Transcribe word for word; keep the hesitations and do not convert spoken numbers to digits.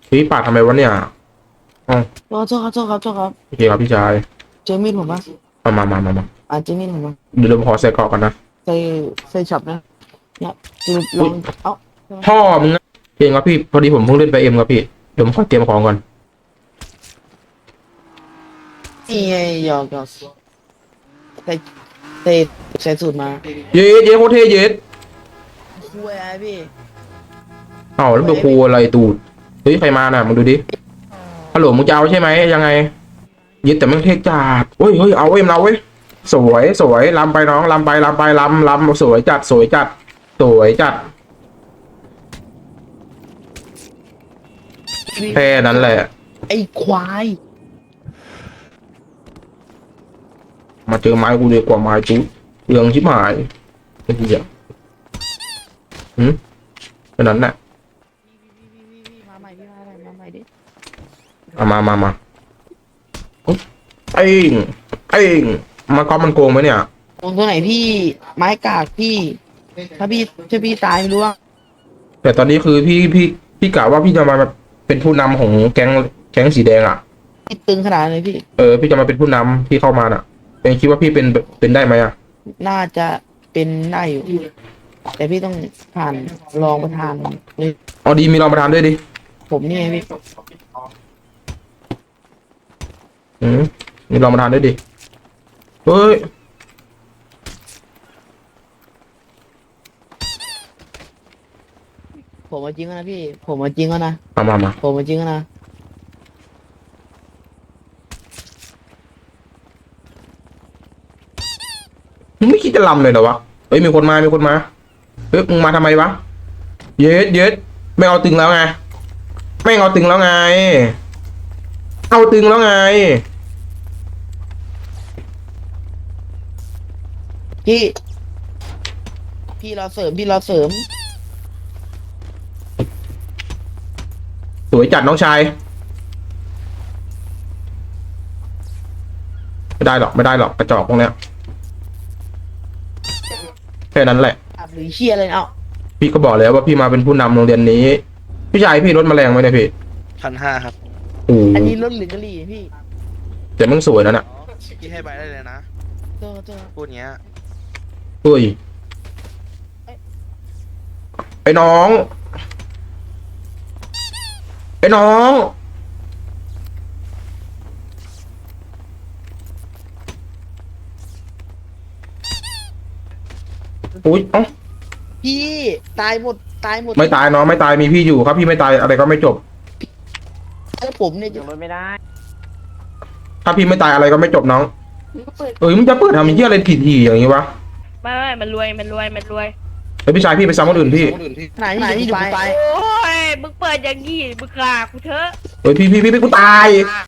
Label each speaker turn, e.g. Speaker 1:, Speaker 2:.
Speaker 1: พี่ปาดทำไมวะเนี่ยอ๋อ
Speaker 2: ขอโทษครับโทษครับโทษครับ
Speaker 1: โอเคครับพี่ชาย
Speaker 2: เจอมีดผมปะ
Speaker 1: มามามามามา
Speaker 2: อ่าเจอมีดผมปะ
Speaker 1: เดี๋ยวผมขอใส่เกราะก่อนนะ
Speaker 2: ใส่ใส่ช็อปนะเนี่ยจะล
Speaker 1: อุ้ย
Speaker 2: องเอ้า
Speaker 1: พ่อมึงนะเก่งครับพี่พอดีผมเพิ่งเล่นไปเอ็มครับพี่เดี๋ยวผมขอเตรียมของก่อน
Speaker 2: นี่ไงหยอกหยอกใส่ใส่ใส่สูตรมา
Speaker 1: เย็ดเย็ดโคตรเท่เย็ด
Speaker 2: คุยอะไรพี่
Speaker 1: เอ้าแล้วไปครูอะไรตูดเฮ้ยใครมาน่ะมึงดูดิฮัลโหลมึงจะเอาใช่ไหมยังไงเย็ดแต่มึงเท่จัดเฮ้ยเฮ้ยเอาเอ็มเราเว้ยสวยสวยลำไปน้องลำไปลำไปลำลำสวยจัดสวยจัดสวยจัดแค่นั้นแหละ
Speaker 2: ไอ้ควาย
Speaker 1: มาเจอไม้กูดีกว่าไม้จุ๊เรื่องชิบหายไอ้เหี้ยหืมแค่นั้นแหละ
Speaker 2: มาใหม่พี่มาใหม่มาใหม่ดิ
Speaker 1: เอามามามาอุ๊ยเอ้งเอ้งมาก๊อปมันโกงไหมเนี่ย
Speaker 2: ตรงตัวไหนพี่ไม้กากพี่ถ้าพี่ถ้าพี่ตายไม่รู้ว่า
Speaker 1: แต่ตอนนี้คือพี่พี่พี่กะว่าพี่จะมาเป็นผู้นำของแก๊งแก๊งสีแดงอ่ะ
Speaker 2: พี่ตึงขนาดไหนพี่
Speaker 1: เออพี่จะมาเป็นผู้นำที่เข้ามาน่ะเป็นคิดว่าพี่เป็นเป็นได้ไหมอ่ะ
Speaker 2: น่าจะเป็นได้อยู่แต่พี่ต้องผ่านรองประธานเลย
Speaker 1: เอาดีมีรองประธานด้วยดิ
Speaker 2: ผมนี่ไงพี่
Speaker 1: อืมมีรองประธานด้วยดิเฮ้ย
Speaker 2: ผมมาจริงแล้วนะพี่ผมมาจริงแล้วนะ
Speaker 1: มามามา
Speaker 2: ผมมาจริงแล้วนะ
Speaker 1: มึงไม่คิดจะลำเลยเหรอวะเฮ้ยมีคนมามีคนมาเฮ้ยมึงมาทำไมวะเย็ดเย็ดไม่เอาตึงแล้วไงไม่เอาตึงแล้วไงเอาตึงแล้วไง
Speaker 2: พี่พี่เราเสริมพี่เราเสริม
Speaker 1: สวยจัดน้องชายไม่ได้หรอกไม่ได้หรอกกระจอกพวกเนี้ยแค่นั้นแหละ
Speaker 2: อับหรือเชี่ยอะไรเอ้า
Speaker 1: พี่ก็บอกแล้วว่าพี่มาเป็นผู้นำโรงเรียนนี้พี่ชายพี่รถแมลงไหมเนี่ยพี่
Speaker 3: พันห้าครับ
Speaker 1: โอ้
Speaker 2: อันนี้รถหรือกะหรี่พี่
Speaker 1: แต่มึงสวยนะน่ะ
Speaker 3: พี่ให้ใบได้เลยนะ
Speaker 2: โทษโทษ
Speaker 3: พูดเงี้ย
Speaker 1: เฮ้ยไอ้น้องไอ้น้องอุ้ยเอ้า
Speaker 2: พี่ตายหมดตายหมด
Speaker 1: ไม่ตายน้องไม่ตายมีพี่อยู่ครับพี่ไม่ตายอะไรก็ไม่จบ
Speaker 2: แล้วผมเนี่ยจะ
Speaker 4: ยังรถไม่ได้
Speaker 1: ถ้าพี่ไม่ตายอะไรก็ไม่จบน้องเอ้ยมึงจะเปิดทำยี่อะไรถี่ๆอย่างนี้วะ
Speaker 4: ไม่ไม่มันรวย มันรวย มันรวย
Speaker 1: ไอ้ยพี่ชายพี่ไปซ้ำคนอื่นพี่
Speaker 2: ไหนไหนที่ดูไป
Speaker 4: โอ้ย มึงเปิดอย่างงี้มึงกล้ากูเถอะ
Speaker 1: เฮ้ยพี่พี่พี่พี่กูตาย